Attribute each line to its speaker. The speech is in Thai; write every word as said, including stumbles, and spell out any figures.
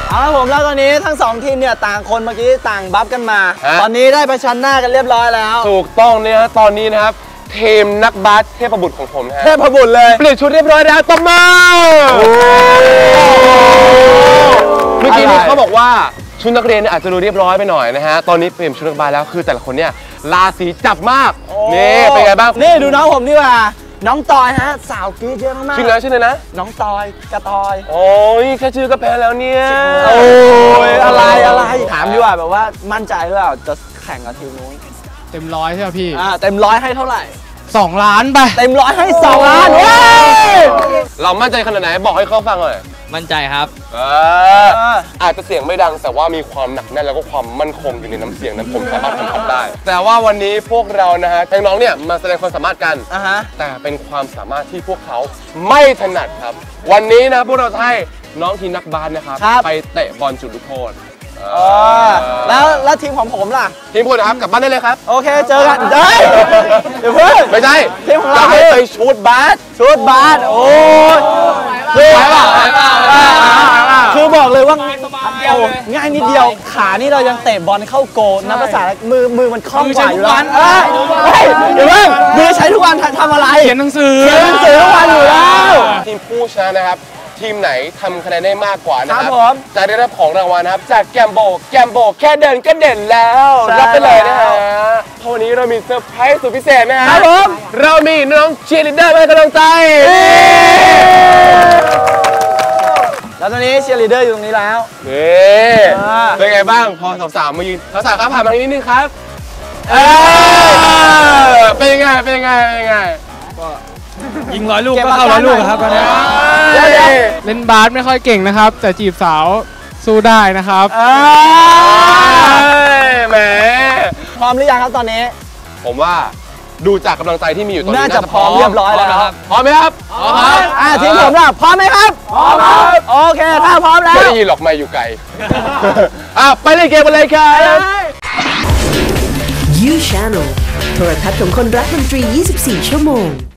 Speaker 1: เอาละผมแล้วตอนนี้ทั้งสองทีมเนี่ยต่างคนเมื่อกี้ต่างบัฟกันมาตอนนี้ได้ประชันหน้ากันเรียบร้อยแล้ว
Speaker 2: ถูกต้องเนี่ยฮะตอนนี้นะครับทีมนักบาสเทพบุตรของผมนะ
Speaker 1: เทพบุตรเลย
Speaker 2: เปลี่ยนชุดเรียบร้อยแล้วตบมือเมื่อกี้นี้เขาบอกว่าชุดนักเรียนอาจจะดูเรียบร้อยไปหน่อยนะฮะตอนนี้เปลี่ยนชุดนักบาสแล้วคือแต่ละคนเนี่ยราศีจับมากนี่เป็นไงบ้าง
Speaker 1: นี่ดูน้องผมดีกว่าน้องตอยฮะสาวกรี๊ดเยอะมาก
Speaker 2: ชื่อนะชื่อเลยนะ
Speaker 1: น้องตอยกระตอย
Speaker 2: โอ้ยแค่ชื่อก็แพ้แล้วเนี่ย
Speaker 1: โอ้ยอะไรอะไรถามดีกว่าแบบว่ามั่นใจหรือเปล่าจะแข่งกับทีมนู้น
Speaker 3: เต็มร้อยใช่ไหมพี่
Speaker 1: อ่าเต็มร้อยให้เท่าไหร่
Speaker 3: สองล้านไป
Speaker 1: เต็มร้อยให้สองล้านเว้ย
Speaker 2: เรามั่นใจขนาดไหนบอกให้เขาฟังหน่อย
Speaker 3: มั่นใจครับ
Speaker 2: เอออาจจะเสียงไม่ดังแต่ว่ามีความหนักแน่นแล้วก็ความมั่นคงอยู่ในน้ำเสียงนั้นผมสามารถทำได้ แต่ว่าวันนี้พวกเรานะฮะน้องๆเนี่ยมาแสดงความสามารถกันแต่เป็นความสามารถที่พวกเขาไม่ถนัดครับวันนี้นะพวกเราจะให้น้องทีมนักบาสนะครับไปเตะบอลจุดลูกโทษ
Speaker 1: แล้วแล้วทีมของผมล่ะ
Speaker 2: ทีมคุณนะครับกลับบ้านได้เลยครับ
Speaker 1: โอเคเจอกันได้เดี๋ยวเพิ่ง
Speaker 2: ไม่ใช่
Speaker 1: ทีมของเรา
Speaker 2: ไปชูดบาส
Speaker 1: ชูดบาสโอ้ยคือคือบอกเลยว่าง่ายนิดเดียวขานี่เรายังเตะบอลเข้าโกนับภาษามือมือมันคล่องกว่าอยู่แล้วเดี๋ยวเพิ่งมือใช้ทุกวันทำอะไร
Speaker 3: เขียนหนังสือ
Speaker 1: เขียนหนังสือทุกวันอยู่แล้ว
Speaker 2: ทีมผู้ชนะนะครับทีมไหนทำคะแนนได้มากกว่านะครับจะได้รับของรางวัลนะครับจากแกมโบแกมโบแค่เดินก็เด่นแล้วรับไปเลยนะฮะวันนี้เรามีเซอร์ไพรส์สุดพิเศษนะฮะเรามีน้องเชียร์ลีดเดอร์มาให้กำลังใจ
Speaker 1: แล้วตอนนี้เชียร์ลีดเดอร์อยู่ตรงนี้แล้ว
Speaker 2: นี่เป็นไงบ้างพอสาวๆมายืนสาวๆครับผ่านมาทางนี้นิดนึงครับเป็นยังไงเป็นยังไงเป็นยังไง
Speaker 3: ยิงร้อยลูกก็เข้าร้อยลูกครับตอนนี้เล่นบาสไม่ค่อยเก่งนะครับแต่จีบสาวสู้ได้นะครับ
Speaker 2: แหม
Speaker 1: พร้อมหรือยังครับตอนนี้
Speaker 2: ผมว่าดูจากกำลังใจที่มีอยู่ตอนนี้
Speaker 1: น่าจะพร้อมเรียบร้อยแล้วครับ
Speaker 2: พร้อมไหมครับ
Speaker 1: พร้อมครับอ่าทีมผมล่ะพร้อมไหมครับพร้อมครับโอเคถ้าพร้อมแล้ว
Speaker 2: ไม่ได้ยินหรอกไม่อยู่ไกลอ่ะไปเล่นเกมกันเลยครับ
Speaker 4: You Channel โทรทัศน์ของคนรักดนตรียี่สิบสี่ชั่วโมง